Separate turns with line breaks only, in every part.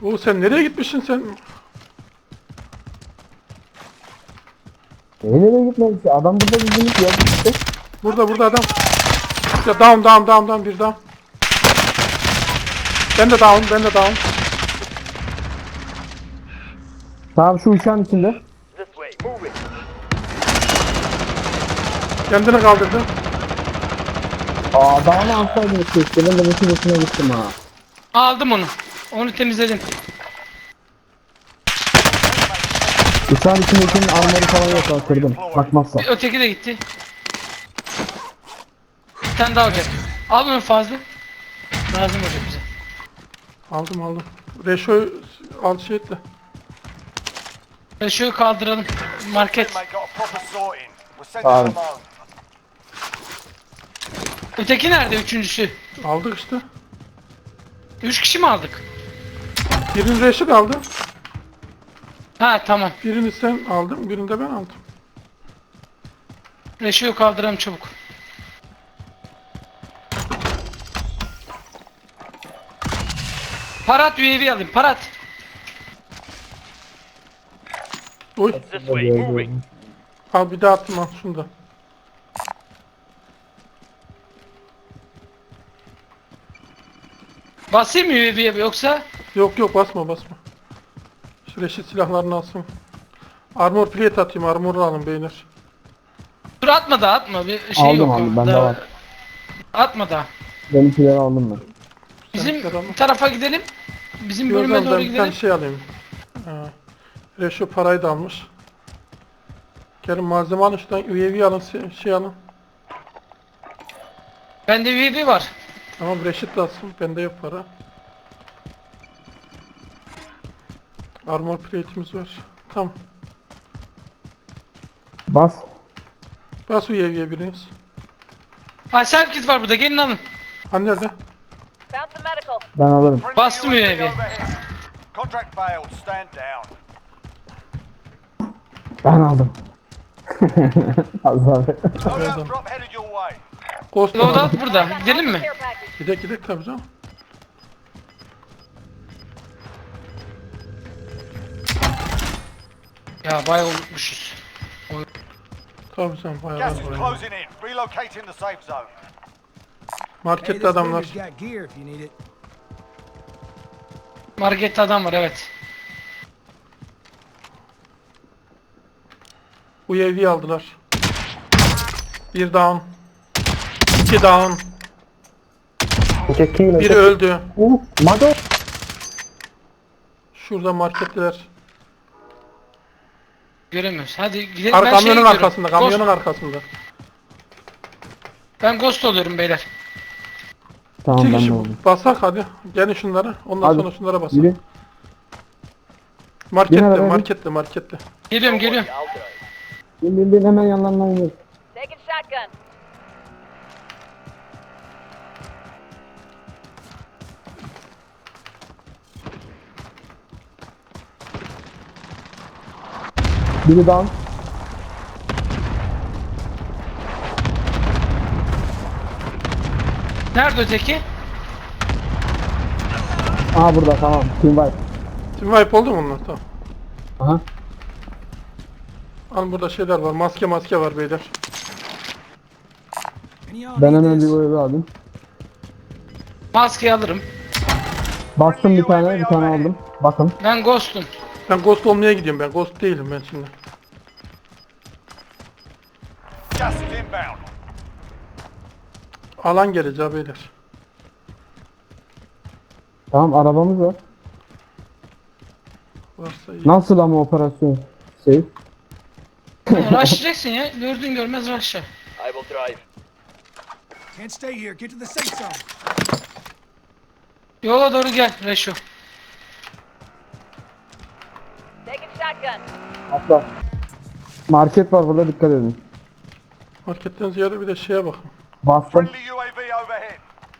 Oo sen nereye gitmişsin sen?
Nereye gitmedik ya? Adam burada bizim yok işte.
Burada adam. Ya down bir down. Ben de down.
Tamam şu uçağın içinde.
This way, move it.
Kendini kaldırdı.
Aa daha ne alsaydınız keşke. Ben de bütün üstüne gittim ha.
Aldım onu. Onu temizledim.
Uçağın içindekinin armoru falan yok ha, kırdım. Bakmazsa.
Öteki de gitti. Bir tane daha olacak. Al onu fazla. Lazım olacak bize.
Aldım. Reşo al şey etle.
Şöyle kaldıralım. Market.
Mate got a proper sorting. We're sending
Abi.
them home.
Öteki nerede üçüncüsü?
Aldık işte.
3 kişi mi aldık?
Birini Reşit aldı.
Ha tamam.
Birini sen aldın. Birini de ben aldım.
Reşo'yu kaldıralım çabuk. Parat UAV alayım. Parat.
Oy.
This way, move it.
Al bir daha attım al şunu da.
Basayım mı UAV'ye yoksa?
Yok basma. Şu Reşit silahlarını alsın. Armor plate atayım. Armor'u alın beyler.
Dur atma da atma. Bir şey
Aldım,
yok.
aldım. Bende
Daha-
var.
Atma da.
Benimkileri aldım ben.
Bizim
Sen alma.
tarafa gidelim. Bizim
Bir o
bölüme
zaman
doğru
ben bir tane
gidelim.
şey alayım. Reşo parayı da almış. Gelin malzeme alın şuradan UAV alın şey alın.
Bende UAV var.
Tamam Reşit de alsın. Bende yok para. Armor plate'imiz var. Tamam.
Bas.
Bas UAV'ye biriniz.
Ha serkit var burada. Gelin alın.
Hani nerede?
Found some medical.
Ben alırım.
Friendly
Bastım
UAV
UAV.
overhead. Contract failed. Stand down.
Ben aldım. Az abi.
Loadout drop headed your way.
Ghost
Loadout burada. Gidelim mi?
Care package.
Gidek tabii canım.
Ya bayağı unutmuşuz.
Tabii canım bayağı
Gas
var
is
buraya.
closing in. Relocating the safe zone.
Markette adamlar.
Got gear if you need it.
Markette adam var evet.
UAV aldılar. Bir down. İki down. Biri öldü.
Mado.
Şurada marketteler.
Göremiyoruz. Hadi gidelim. Ben şeye
Kamyonun
gidiyorum.
arkasında, kamyonun arkasında.
Ben ghost oluyorum beyler.
Tamam
İki
ben de
kişi
oldum.
basak hadi. Gelin şunlara. Ondan
Hadi.
sonra şunlara basak.
Yürü.
Markette,
Yine
markette.
Geliyorum.
I'll drive.
Bin hemen yanlarına iniyor.
Taking shotgun.
Biri down.
Nerede öteki?
Aha burada tamam. Team wipe.
Team wipe oldu mu onlar? Tamam.
Aha.
Alın burada şeyler var. Maske var beyler.
And y'all
Ben
need
hemen bir
this.
boyu aldım.
Maskeyi alırım.
Bastım bir tane aldım. Bakın.
Ben ghost'um.
Ben ghost olmaya gidiyorum ben. Ghost değilim ben şimdi.
Gas is inbound.
Alan geleceği beyler.
Tamam arabamız var.
Varsa iyi.
Nasıl ama operasyon? Şey.
Rushlayacaksın ya. Gördün görmez rushla.
I will drive.
Can't stay here. Get to the safe zone.
Yola doğru gel Reşo.
Taking shotgun.
Atla. Market var burada, dikkat edin.
Marketten ziyade bir de şeye bakın.
Bastım.
Friendly UAV overhead.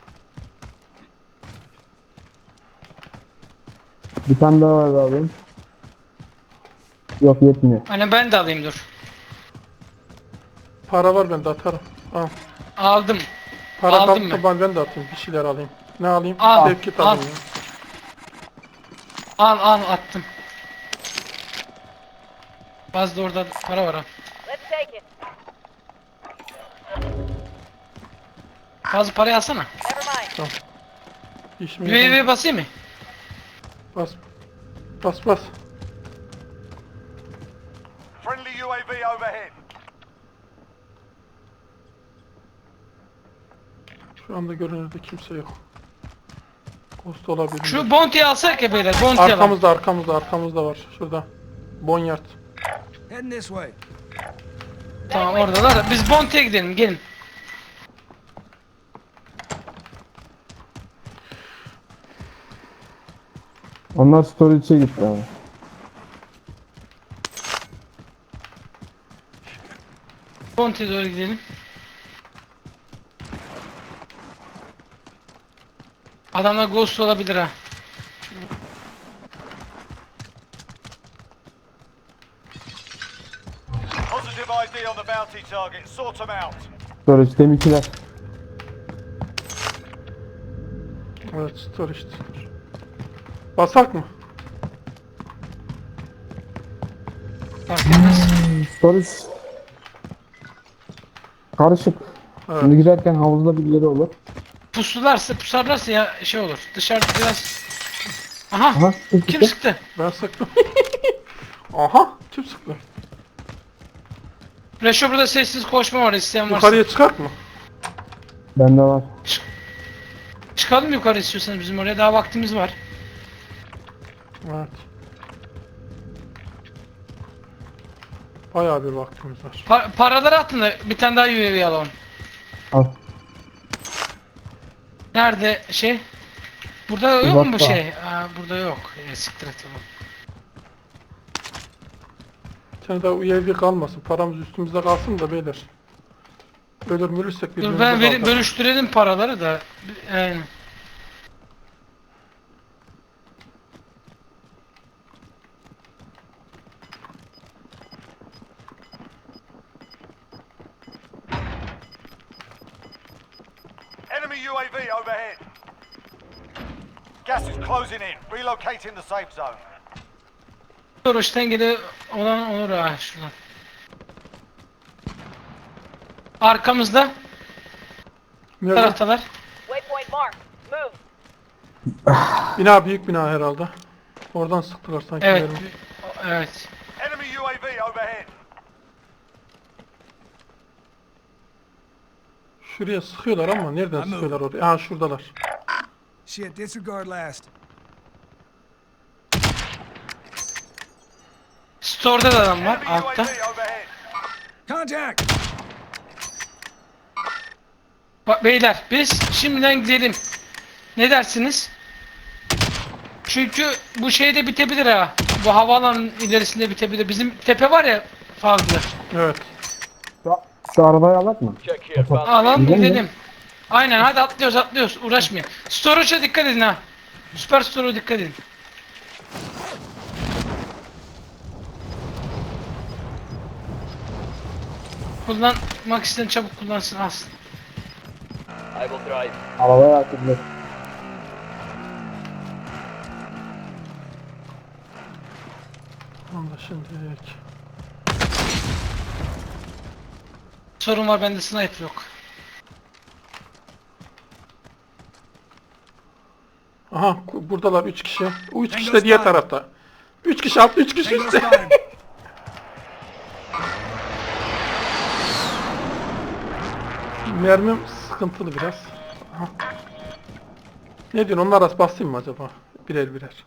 Bir tane daha var abi. Yok yetmiyor.
Hani ben de alayım dur.
Para var bende atarım. Al.
Aldım.
Para
Aldım
kalktı ben de atayım. Bir şeyler alayım. Ne alayım?
Al,
Sevkit
al.
alayım ya.
Al attım. Fazla orada para var ha.
Let's take it.
Fazla parayı alsana.
Never mind.
İşim yok.
UAV basayım mı?
Bas. Bas bas.
Friendly UAV overhead.
Şu anda görünürde kimse yok. Ghost olabilir.
Şu bounty'yi alsak ya beyler. Bounty'yi alalım.
Arkamızda var. Şurada. Bonyard.
Heading this way.
Tamam oradalar da. Biz bounty'ye gidelim. Gelin.
Onlar storage'e gitti abi.
Bounty'ye doğru gidelim. Adamlar ghost olabilir ha.
Positive ID on the bounty target. Sort them out.
Storage'de mikiler.
Evet, storage. Basak mı?
Fark etmez.
Storage. Karışık.
Evet.
Şimdi giderken havuzda birileri olur.
Pusarlarsa ya şey olur. Dışarıda biraz... Aha.
Aha.
Kim sıktı?
Ben sıktım. Aha, kim sıktı?
Reşo burada sessiz koşma var isteyen varsa.
Yukarıya çıkart mı?
Bende var.
Çıkalım yukarı istiyorsanız bizim oraya daha vaktimiz var.
Evet. Bayağı bir vaktimiz var.
Paraları atın da bir tane daha UAV alalım.
Al.
Nerede şey? Burada yok mu bu
Uzakta.
şey? Aa, burada yok. Siktir et oğlum.
Sen daha UAV kalmasın. Paramız üstümüzde kalsın da beyler. Ölür mürürsek
Dur
birbirimize
ben
kalkar.
bölüştürelim paraları da. Yani.
Enemy UAV overhead. Gas is closing in. Relocating the safe zone.
Doroş'tan geri olan olur ha şuradan. Arkamızda
Nerede?
taraftalar.
Waypoint marked. Move.
Bina büyük bina herhalde. Oradan sıktılar sanki.
Evet.
mermi.
Evet.
Enemy UAV overhead.
Şuraya sıkıyorlar ama nereden
Anladım.
sıkıyorlar oraya? Ha şuradalar.
Shit, disregard last.
Store'da da adam var
Enemy
altta.
UAV overhead.
Contact!
Bak beyler biz şimdiden gidelim. Ne dersiniz? Çünkü bu şeyde bitebilir ha. Bu havaalanının ilerisinde bitebilir. Bizim tepe var ya farklı.
Evet.
Şu arabayı alak mı?
Alalım
Gidelim mi?
gidelim. Aynen hadi atlıyoruz uğraşmayın. Storage'a dikkat edin ha. Süper storage'a dikkat edin. Kullanmak isteyen çabuk kullansın alsın.
Arabaya atıldı.
Onu da şimdi.
Sorun var bende sniper yok.
Aha buradalar 3 kişi. 3 kişi de diğer tarafta. 3 kişi altta 3 kişi
Tango
üstte.
spotted.
Mermim sıkıntılı biraz. Aha. Ne diyorsun, onlar arası basayım mı acaba? Birer birer.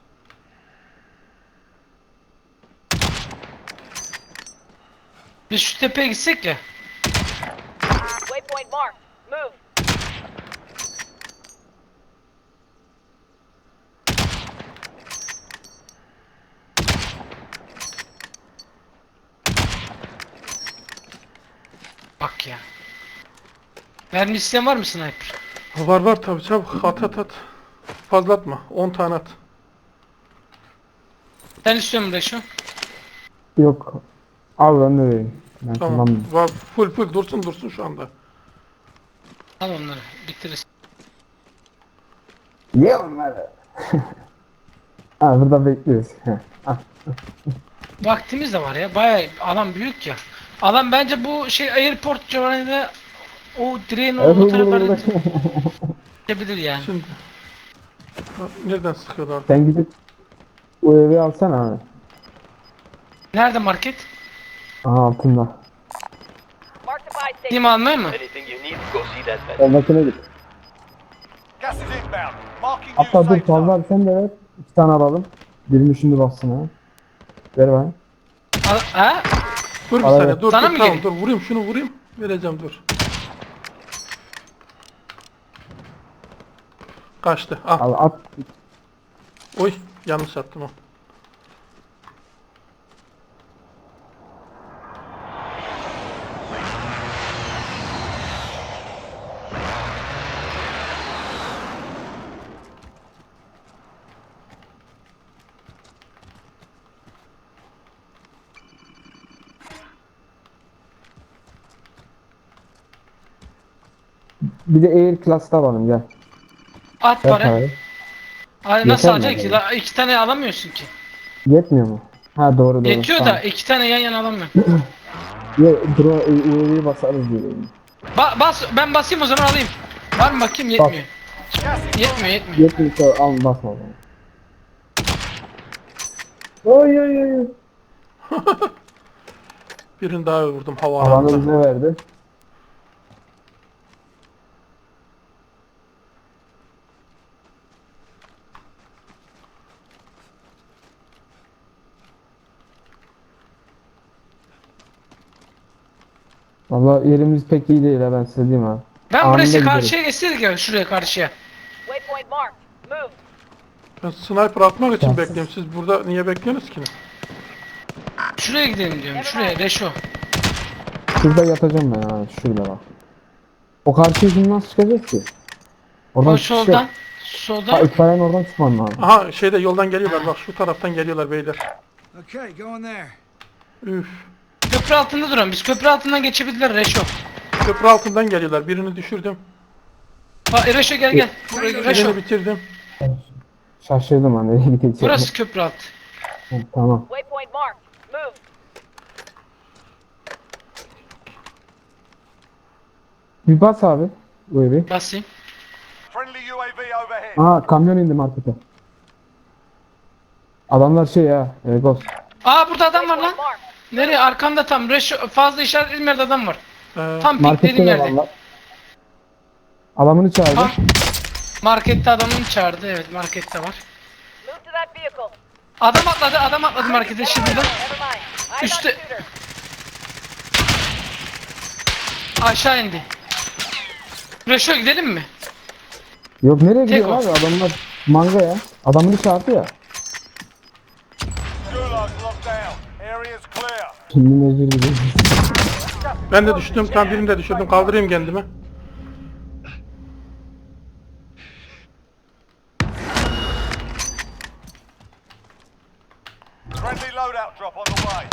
Biz şu tepeye gitsek ya.
Waypoint marked. Move.
Bak ya. Mermi isteyen var mı sniper?
Var var tabii, çabuk at. Fazla atma. 10 tane at.
Sen istiyor musun Reşo?
Yok. Al ben de vereyim. Ben
Tamam.
kullanmıyorum.
Var, full dursun şu anda.
Al onları bitiririz.
Ye onları. Ha burada bekliyoruz. Heh. Ah.
Vaktimiz de var ya. Bayağı alan büyük ya. Alan bence bu şey airport civarında o direğin olduğu taraflarda gidebilir yani.
Şimdi. Bak, nereden sıkıyorlar?
Sen gidip o evi alsana abi.
Nerede market?
Aha altında.
Mark the buy station.
Gideyim almaya mı?
Anything you need, go see that man.
Oradakine git.
Gas is inbound. Marking new
Hatta dur
safe
fazla
zone.
abi sen de ver. 2 tane alalım. Birini şimdi bassın ha. Ver bana.
Ha?
Dur bir
Al,
saniye
evet.
dur
Sana
dur
mı
tamam
geleyim?
dur vurayım şunu vurayım. Vereceğim dur. Kaçtı. Ah.
Al at.
Oy yanlış attım o.
Bir de Air Class'ta alalım gel.
At
Ver
para.
parayı.
Ay nasıl
Yeter mi
alacaksın ki?
acaba?
La, 2 tane alamıyorsun ki.
Yetmiyor mu? Ha doğru doğru.
Yetiyor
Tamam.
da 2 tane yan yana alamıyorum.
Ya UAV'yi basarız diye.
Ben basayım o zaman alayım. Var mı bakayım yetmiyor. Yetmiyor.
Yetmiyor al basma o zaman. Oy oy oy.
Birini daha vurdum hava
Alanı
alanında.
bize verdi. Vallahi yerimiz pek iyi değil ha ben size diyeyim ha.
Ben
Anında
burası
gideriz.
karşıya geçseydik ya şuraya karşıya.
Waypoint marked. Move.
Ben sniper atmak için
Tamam.
bekliyorum. Siz burada niye bekliyorsunuz ki?
Şuraya gidelim diyorum. Şuraya Reşo.
Şurada yatacağım ben ha şurada bak. O karşıya şimdi nasıl çıkacak ki? Oradan
O
çıkış yok.
soldan.
Ha
Soldan.
itfaiyenin oradan çıkman lazım.
Aha şeyde yoldan geliyorlar bak şu taraftan geliyorlar beyler.
Okay, going there.
Üf.
Köprü altında duran. Biz köprü altından geçebilirler Reşo.
Köprü altından geliyorlar. Birini düşürdüm.
Bak Reşo gel. Buraya Reşo.
Birini bitirdim.
Şaşırdım ha nereye gideceğim.
Burası köprü altı.
Ha, tamam.
Waypoint marked. Move.
Bir bas abi. UAV.
Basayım.
Friendly UAV overhead.
Aa kamyon indi markete. Adamlar şey ya. Ghost.
Aa burada adam var lan.
Waypoint marked.
Nereye? Arkamda tam. Reşo fazla işaretlediğim yerde adam var. Tam
Markette
piklediğim
de
yerde.
valla. Adamını çağırdı.
Tam. Markette adamını çağırdı. Evet markette var.
Move to that vehicle.
Adam atladı markete şimdi.
Never mind. Eyes on
Üstte.
shooter.
Aşağı indi. Reşo gidelim mi?
Yok nereye
Tek
gidiyor
o.
abi adamlar manga ya. Adamını çağırdı ya.
Gulag locked down. Area's clear.
Şimdi mecbur gidiyor.
Ben de düştüm. Tam birini de düşürdüm. Kaldırayım kendimi.
Friendly loadout drop on the way.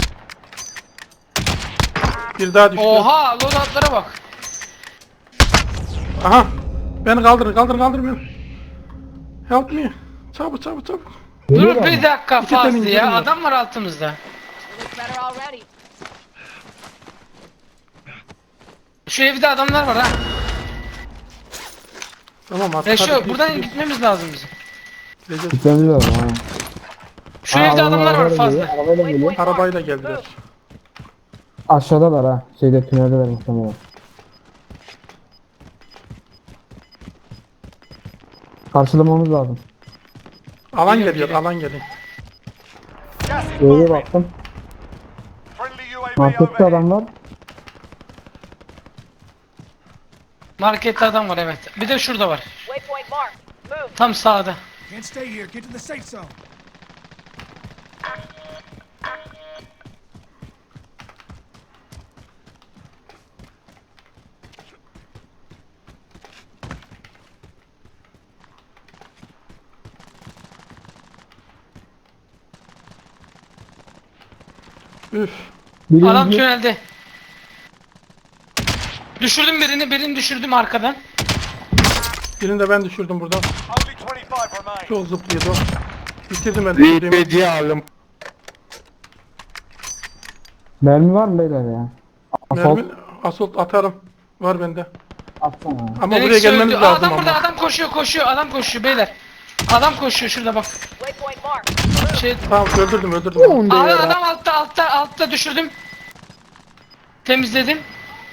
Bir daha düştü.
Oha loadoutlara bak.
Aha. Beni kaldırın beni. Help me. Çabuk.
Dur
Geliyorlar
bir
mı?
dakika
İki tane
Fazlı ya.
indiriyor.
Adam var altımızda.
Looks better already.
Şu evde adamlar var ha.
Tamam artık.
Reşo
hadi,
buradan
git.
gitmemiz lazım bizim.
Gideceğiz.
Gitmemiz lazım ha.
Şu
Aa,
evde adamlar var
arabayla
fazla.
geliyor, arabayla geliyor.
Arabayla geldiler.
Aşağıdalar ha. Şeyde tüneldeler muhtemelen. Karşılamamız lazım.
Alan
Geliyor,
geliyor.
geliyor.
Alan geliyor.
Gas is
Öyle
moving.
baktım.
Friendly UAV
Markette
overhead.
adam var.
Markette adam var evet. Bir de şurada var.
Waypoint marked. Move.
Tam sağda.
Can't stay here. Get to the safe zone.
Üf.
Birinci
Adam tünelde. Düşürdüm birini düşürdüm arkadan.
Birini de ben düşürdüm buradan.
Only 25 remain.
Çok zıplıyordu. Bitirdim ben. Bitirdim.
Hediye aldım.
Mermi var mı beyler ya? Assault
Mermi, assault atarım. Var bende.
atsana.
Ama
Felix
buraya gelmeniz
öldü.
lazım
Adam burada,
ama.
adam koşuyor, adam koşuyor beyler. Adam koşuyor şurada bak.
Waypoint marked.
Şey,
Tamam öldürdüm.
abi adam altta düşürdüm. Temizledim.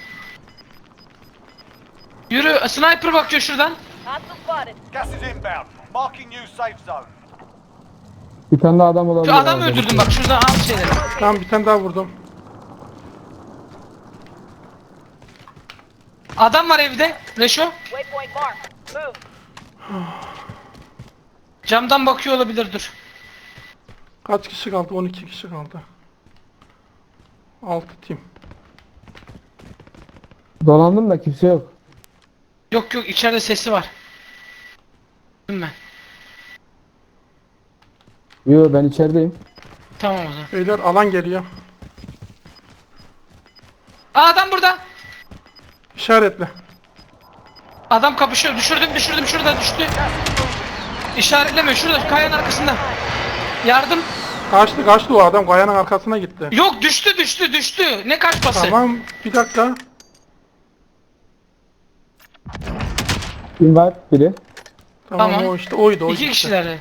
Yürü, sniper bakıyor şuradan.
Hostile spotted.
Gas is inbound. Marking new safe zone.
Bir tane daha adam olabilir.
Şu adamı
herhalde.
öldürdüm bak şuradan al şeyleri.
Tamam bir tane daha vurdum.
Adam var evde. Reşo.
Waypoint marked. Move.
Camdan bakıyor olabilir, dur.
Kaç kişi kaldı? 12 kişi kaldı. 6 team.
Dolandım da kimse yok.
Yok içeride sesi var. Değil mi?
Yo ben içerideyim.
Tamam o zaman.
Beyler alan geliyor.
Aa, adam burada.
İşaretle.
Adam kapışıyor. Düşürdüm şurada düştü. İşaretleme şurada kayanın arkasında. Yardım.
Kaçtı o adam. Kayanın arkasına gitti.
Yok düştü. Ne kaçması?
Tamam bir dakika.
Invite biri.
Tamam,
Tamam.
o işte oydu.
İki
işte.
kişiler.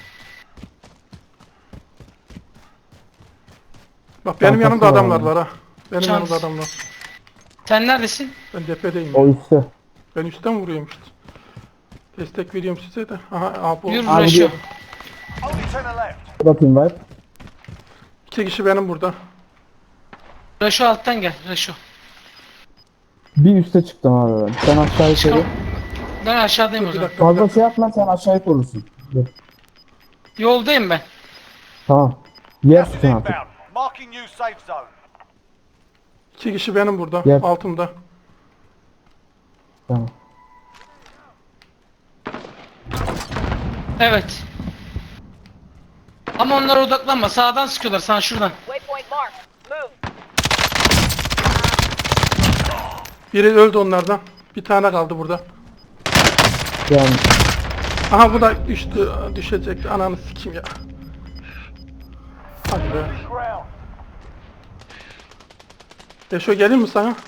Bak benim yanımda
Arkası var
adamlar
adam.
var ha. Benim
Şans.
yanımda adamlar.
Sen neredesin?
Ben tepedeyim.
O üstte.
Ben üstten vuruyorum işte. Destek veriyorum size de. Aha bu.
Yürü
Abi
Reşo.
diyor.
Only 10 are left.
Bak invite.
2 kişi benim burada.
Reşo alttan gel. Reşo.
Bir üste çıktım abi ben. Sen aşağı yukarı.
Çıkalım. Ben aşağıdayım o
Bir
zaman.
dakika. Bir
Fazla
dakika.
şey yapma sen aşağıya korursun. Dur.
Yoldayım ben.
Tamam. Yer
Gas is
tutun artık.
inbound. Marking new safe zone.
2 kişi benim burada.
Gel.
Altımda.
Tamam.
Evet. Ama onlara odaklanma. Sağdan sıkıyorlar sana şuradan.
Waypoint marked. Move.
Biri öldü onlardan. Bir tane kaldı burada.
Yani
Aha bu da düştü. Düşecekti. Ananı sikeyim ya. Hadi be.
Ground.
Eşo geleyim mi sana?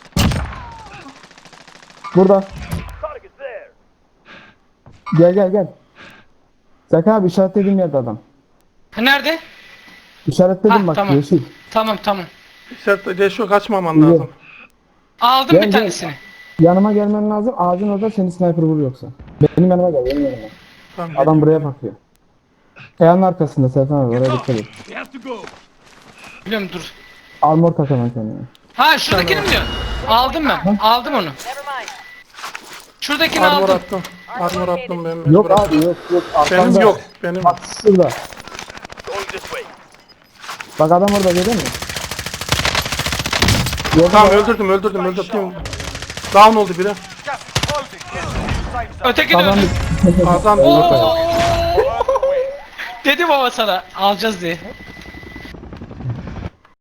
burada.
Target's there.
Gel. Zeki abi işaretlediğim yerde adam.
Ha, nerede?
İşaretledim
Ha,
bak
tamam.
yeşil.
Tamam.
Sen Eşo kaçmaman
İyi.
lazım.
Aldım
Gel,
bir
gel.
tanesini.
Yanıma gelmen lazım. Ağacın orada seni sniper vurur yoksa. Benim yanıma gel, benim yanıma.
Tamam,
Adam buraya bakıyor. Kayanın arkasında Serkan abi, oraya dikkat et.
Biliyorum dur.
Armor tak hemen kendine.
Ha şuradakini mi diyor? Aldım ben. Aldım onu.
Never mind.
Şuradakini
Armor
aldım.
attım. Armor attım ben.
Yok
mecbur attım.
abi yok.
Benim
Arkanda.
yok. Benim.
Bak şurada.
Going this way.
Bak adam orada görüyor musun?
Tamam öldürdüm. Down oldu biri.
Gas is closing. Get to the new safe zone.
Öteki de
Adam
öldü.
Kazandı.
Oo!
Worth the win.
Dedim ama sana alacağız diye.